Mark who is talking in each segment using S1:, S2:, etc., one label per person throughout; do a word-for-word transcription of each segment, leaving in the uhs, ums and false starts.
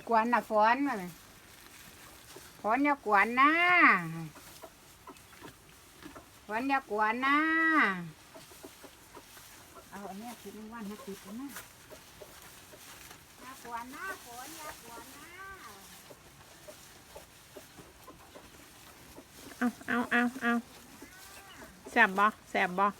S1: กวนน่ะฝนมาเลยฝนอย่ากวนนะฝนอย่ากวนนะเอาอันนี้คิดว่านให้ติดนะอย่ากวนนะฝนอย่ากวนนะ
S2: เอาเอาเอาเอาแสบบ่แสบบ่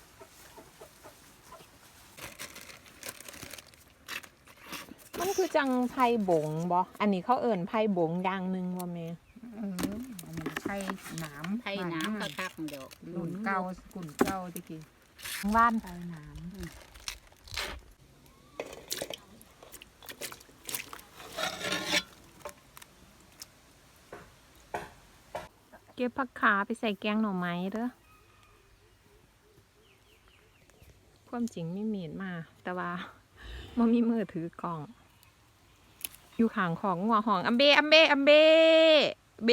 S2: มันคือจังไผ่บงบ่อันนี้เขาเอิ่นไผ่บงอย่างหนึ่งว่าแม่
S1: เอออันนี้ไผ่หนาม
S3: ไผ่น้ำก็คักเดี๋ยว
S1: กุ่นเก่ากุ่นเก่าตะกี้
S2: ว่าน
S1: ไผ่หนาม
S2: เก็บผักขาไปใส่แกงหน่อไม้เด้อความจริงไม่มีดมาแต่ว่ามันมีมือถือกล่องอยู่ข้างของงัวหองอัมเบอัมเบอัมเบเบ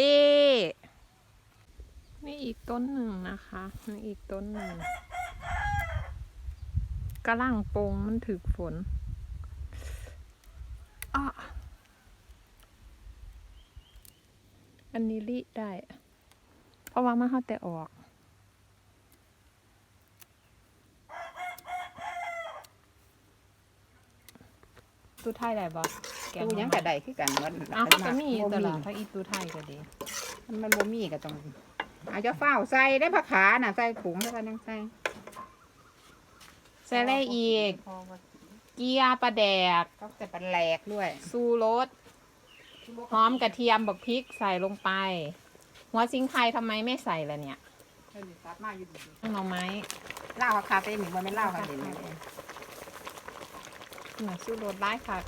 S2: นี่อีกต้นหนึ่งนะคะนี่อีกต้นหนึ่งกระล่างโปงมันถึกฝนอ่ะอันนี้ลิได้ เพราะว่ามาเขาแต่ออกตู้ไทยได้บ่
S1: ตู้ยังกระไดคือกันมัน
S2: อ้าวเขาจะมีตลอดถ้าอีตู้ไทยก็ดี
S1: มันบ่มีก็ต้องอาจจะเฝ้าใส่ได้ผักขาน่ะใส่ถุงแล้วก็ยังใส่
S2: ใส่อะไรอีก เกียร์ปลาแดก
S1: ก็จะเป็นแหลกด้วย
S2: ซูรสหอมกระเทียมบักพริกใส่ลงไป หัวซิงไคทำไมไม่ใส่ล่ะเนี่ย
S1: เออซับมาอยู่ดี
S2: หน่อไม้
S1: เหล้าคาเฟ่หนึ่งมันไม่เหล้าคาเฟ่หนึ่ง
S2: หน่อซูรสได้ค่ะ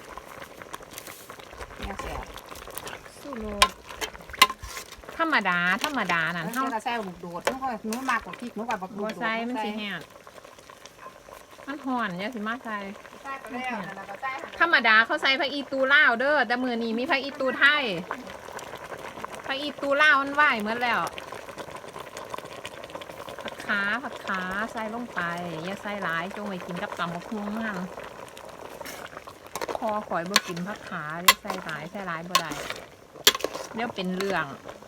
S1: เนี่ยเสีย
S2: ซูรสธรรมดาธรรมดาน่ะ
S1: แล้ว
S2: เท่า
S1: เราใส่บุกโดดนู้ก็นู้มากกว่าพริกนู้กับบัก
S2: บัวใส่มันสิแห้งมันห่อนเนี่ยสิมาใส่
S1: ใส่ไปแล้วแล้วก็ใส่
S2: ธรรมดาเขาใส่ผักอีตูลาวเด้อแต่มือนี้มีผักอีตูไทยผักอีตูลาวมันไหวเหมือนแล้วผักขาผักขาใส่ลงไปอย่าใส่หลายจงไว้กินกับตำบักหุ่งนั่นคอข่อยบ่กินผักขาอย่าใส่หลายใส่หลายบ่ได้เดี๋ยวเป็นเรื่อง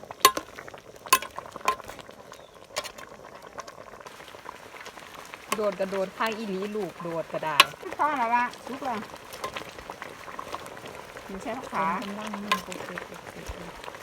S2: โดดกระโดดข้างอีหลีลูกโดดก็ได้
S1: ข้าวแล้ววะลุกเลยมีใช้ผักขา
S2: เป็นร่างนี่โปรเกต